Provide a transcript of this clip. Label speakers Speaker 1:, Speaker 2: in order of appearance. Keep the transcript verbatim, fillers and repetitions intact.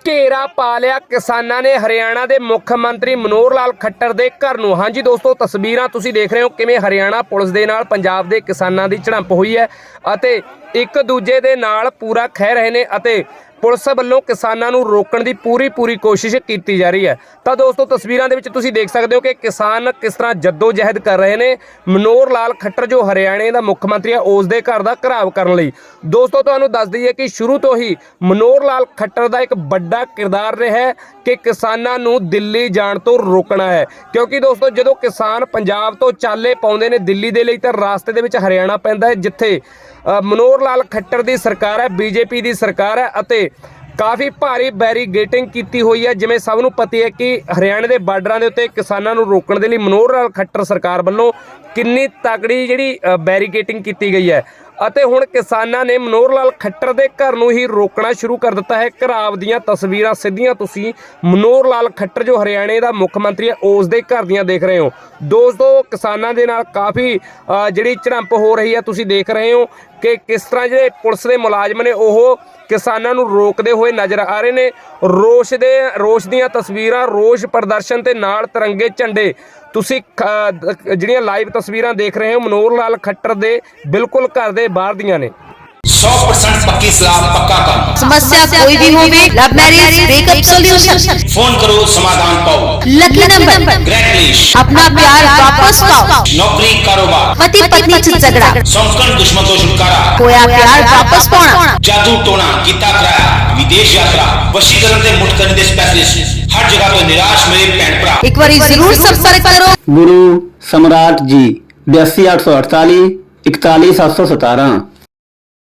Speaker 1: घेरा पा लिया किसानां ने हरियाणा के मुख मंत्री मनोहर लाल खट्टर के घर नूं। हाँ जी दोस्तों, तस्वीरां तुसीं देख रहे हो किवें हरियाणा पुलिस दे नाल पंजाब के किसानां की झड़प हुई है अते एक दूजे दे नाल पूरा खह रहे ने अते पुलिस वालों किसानां नूं रोकण दी पूरी पूरी कोशिश की जा रही है। तो दोस्तों तस्वीरां दे विच तुसीं देख सकते हो कि किसान किस तरह जद्दोजहद कर रहे हैं मनोहर लाल खट्टर जो हरियाणे का मुख मंत्री है उस दे घर का घराव करने लई। दोस्तों तुहानूं दस दईए कि शुरू तो ही मनोहर लाल खट्टर का एक बड़ा किरदार रहा है कि किसानां नूं दिल्ली जाण तो रोकना है, क्योंकि दोस्तों जदों किसान पंजाब तो चाले पाउंदे ने दिल्ली दे लई तां रास्ते दे विच हरियाणा पैंदा है जिथे मनोहर लाल खट्टर की सरकार है, बीजेपी की सरकार है अते काफ़ी भारी बैरीगेटिंग की हुई है। जिवें सब नूं पता है कि हरियाणे के बार्डरां दे उत्ते किसानां नूं रोकण दे लई मनोहर लाल खट्टर सरकार वालों किन्नी तगड़ी जिहड़ी बैरीगेटिंग की गई है अते हुण किसानां ने मनोहर लाल खट्टर के घर नूं ही रोकना शुरू कर दिता है। घराव दीयां तस्वीरां सीधियां तुसीं मनोहर लाल खट्टर जो हरियाणे का मुख मंत्री है उस दे घर दीयां देख रहे हो। दोस्तों किसानां दे नाल काफ़ी जिहड़ी झड़प हो रही है तुसीं देख रहे हो कि किस तरह जो पुलिस के मुलाजम ने वह किसानां नूं रोकते हुए नज़र आ रहे हैं। रोष दे रोष दीयां तस्वीरां, रोष प्रदर्शन ते नाल तिरंगे झंडे तुसीं जिहड़ियां लाइव तस्वीरां देख रहे हो मनोहर लाल खट्टर दे बिल्कुल घर दे बाहर दीयां ने।
Speaker 2: सौ परसेंट पक्की सलाह पक्का काम।
Speaker 3: समस्या कोई भी हो, love marriage, breakup solution,
Speaker 2: phone करो समाधान पाओ।
Speaker 3: लकी नंबर,
Speaker 2: ग्रेट लिस्ट,
Speaker 3: अपना प्यार वापस पाओ,
Speaker 2: नौकरी कारोबार,
Speaker 3: पति पत्नी से झगड़ा,
Speaker 2: संकट दुश्मन तो छुटकारा,
Speaker 3: खोया प्यार वापस पाना,
Speaker 2: जादू टोना किता कराया, विदेश यात्रा, वशीकरण ते मुक्त करने दे स्पेशलिस्ट, हर जगह तो निराश मेरे भैन भरा
Speaker 3: एक बार जरूर संपर्क करो।
Speaker 4: गुरु सम्राट जी बयासी आठ सौ अड़तालीस इकतालीस सात सौ सतारह।